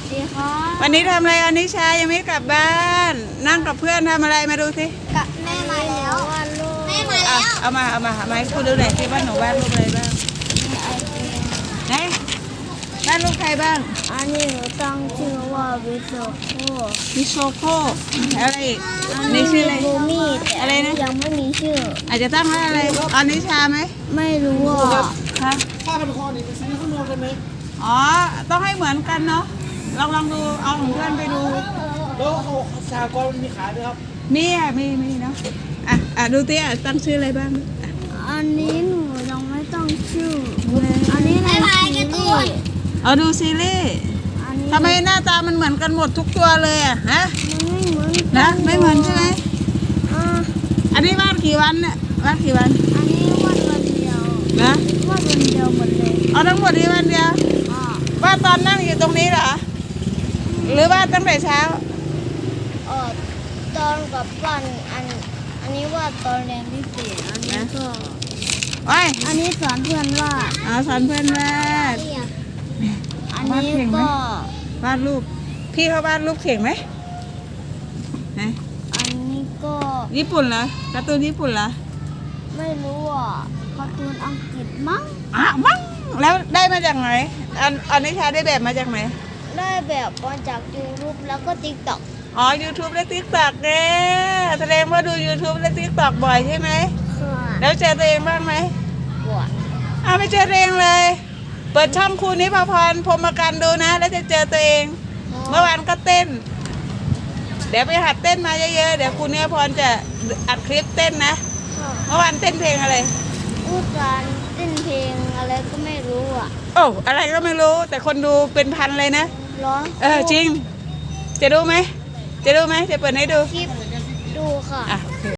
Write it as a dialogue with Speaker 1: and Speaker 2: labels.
Speaker 1: ดีค่ะ
Speaker 2: วันนี้ทำอะไรอนิชายังไม่กลับบ้าน นั่งกับเพื่อนทำอะไรมาดูสิ
Speaker 1: กับแม่มาแล้ววันลูกแม่มาแล้ว
Speaker 2: เอามาให้คุณดูหน่อยที่บ้านหนูวาดรูปอะไรบ้างไหนวาดรูปใครบ้าง
Speaker 1: อันนี้หนูตั้งชื่อว่าวิโซโค
Speaker 2: มีโชโค่อะไรอีกนี่ชื่ออะไร
Speaker 1: บูมี่แต่
Speaker 2: อะไรนะ
Speaker 1: ยังไม่มีชื่อ
Speaker 2: อาจจะตั้งว่าอะไรอนิชาไหม
Speaker 1: ไม่รู้อ่ะ
Speaker 2: ฮะ
Speaker 3: ผ้าพันคอนี่ไปซื้อข้างนอกได้ไหม
Speaker 2: อ๋อต้องให้เหมือนกันเนาะลองดูเอาของเพื่อนไปดู
Speaker 3: แล้วเขาสากรณ์มันมีขายไหมครับ
Speaker 2: มีเนาะดูเตี้ยตั้งชื่ออะไรบ้างอ่ะ
Speaker 1: อันนี้หนูยังไม่ต้องชื่ออันนี้ในซีรีส์
Speaker 2: เอาดูซีรีส์
Speaker 1: อันนี้
Speaker 2: ทำไมหน้าตามันเหมือนกันหมดทุกตัวเลยอะฮะ
Speaker 1: มันไม่เหมือน
Speaker 2: นะไม่เหมือนใช่ไหม
Speaker 1: อ่า
Speaker 2: อันนี้วาดกี่วันเนี่ยวาดกี่วัน
Speaker 1: อันนี้วาดวันเดียว
Speaker 2: นะ
Speaker 1: วาดวันเดียวหมดเลย
Speaker 2: เอาทั้งหมดนี้วันเดียว
Speaker 1: อ่าว
Speaker 2: าดตอนนั่งอยู่ตรงนี้เหรอหรือวาดตั้งแต่เช้า
Speaker 1: เออตอนกลับบ้านอันนี้วาดตอนเรียนพิเศษอันนี้ก็
Speaker 2: โอ้ย
Speaker 1: อันนี้สอนเพื่อนวาด
Speaker 2: เอาสอนเพื่อนวาด
Speaker 1: อันนี้
Speaker 2: วาดเก่งไหม
Speaker 1: ก็
Speaker 2: วาดรูปพี่เขาวาดรูปเก่งไหมไหน
Speaker 1: อันนี้ก็
Speaker 2: ญี่ปุ่นเหรอการ์ตูนญี่ปุ่นเหรอ
Speaker 1: ไม่รู้อ่ะการ์ตูนอังกฤษมั้ง
Speaker 2: มั้งแล้วได้มาจากไหนอันนี้ชาได้แบบมาจากไหน
Speaker 1: ได้แบบมาจากยูทูบแล้วก็ติ๊กต็อก
Speaker 2: อ๋อ YouTube และ TikTok เนี่ยแสดงว่าดู YouTube และ TikTok บ่อยใช่ไหม
Speaker 1: ค่ะ
Speaker 2: แล้วเจอตัวเองบ้างไหม
Speaker 1: บวช
Speaker 2: ไม่เจอตัวเองเลย เปิดช่องครูนิพพรพรหมกันดูนะ แล้วจะเจอตัวเอง เมื่อวานก็เต้น เดี๋ยวไปหัดเต้นมาเยอะๆ เดี๋ยวครูนิพพรจะอัดคลิปเต้นนะ
Speaker 1: ค่ะ
Speaker 2: เมื่อวานเต้นเพลงอะไร
Speaker 1: พูดการเต้นเพลงอะไรก็ไม่รู้อ่ะ
Speaker 2: โอ้อะไรก็ไม่รู้ แต่คนดูเป็นพันเลยนะ
Speaker 1: เหรอ
Speaker 2: จริง จะดูไหม จะดูไหม จะเปิดให้ดู
Speaker 1: คลิปดูค่ะ
Speaker 2: อ่ะ